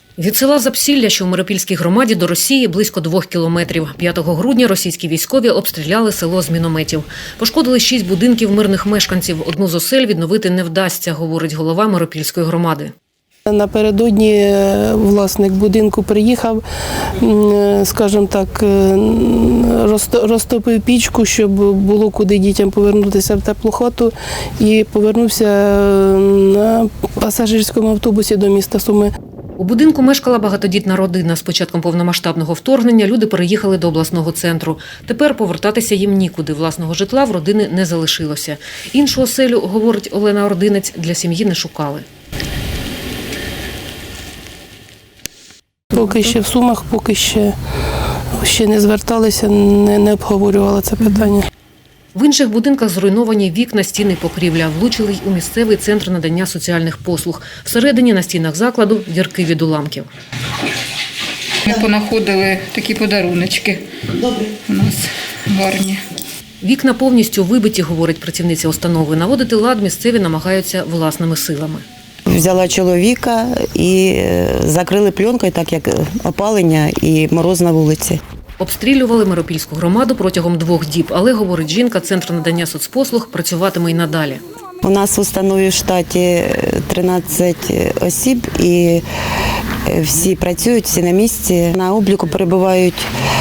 Від села Запсілля, що в Миропільській громаді, до Росії близько 2 кілометрів. 5 грудня російські військові обстріляли село з мінометів. Пошкодили 6 будинків мирних мешканців. Одну з осель відновити не вдасться, говорить голова Миропільської громади. Напередодні власник будинку приїхав, скажімо так, розтопив пічку, щоб було куди дітям повернутися в теплу хату, і повернувся на пасажирському автобусі до міста Суми. У будинку мешкала багатодітна родина. З початком повномасштабного вторгнення люди переїхали до обласного центру. Тепер повертатися їм нікуди. Власного житла в родини не залишилося. Іншу оселю, говорить Олена Ординець, для сім'ї не шукали. Поки ще в Сумах, поки ще не зверталися, не обговорювали це питання. В інших будинках зруйновані вікна, стіни, покрівля. Влучили й у місцевий центр надання соціальних послуг. Всередині на стінах закладу дірки від уламків. Ми понаходили такі подаруночки. У нас гарні. Вікна повністю вибиті, говорить працівниця установи. Наводити лад місцеві намагаються власними силами. Взяла чоловіка і закрили пленкою, так як опалення і мороз на вулиці. Обстрілювали Миропільську громаду протягом 2 діб, але, говорить жінка, центр надання соцпослуг працюватиме й надалі. У нас в установі в штаті 13 осіб і всі працюють, всі на місці. На обліку перебувають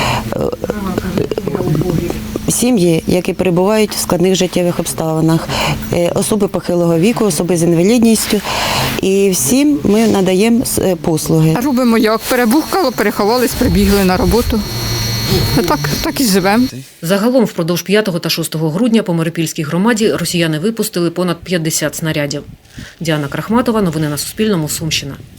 сім'ї, які перебувають в складних життєвих обставинах, особи похилого віку, особи з інвалідністю. І всім ми надаємо послуги. Робимо як перебухкало, переховались, прибігли на роботу. Так і живемо. Загалом впродовж 5 та 6 грудня по Миропільській громаді росіяни випустили понад 50 снарядів. Діана Крахматова, новини на Суспільному, Сумщина.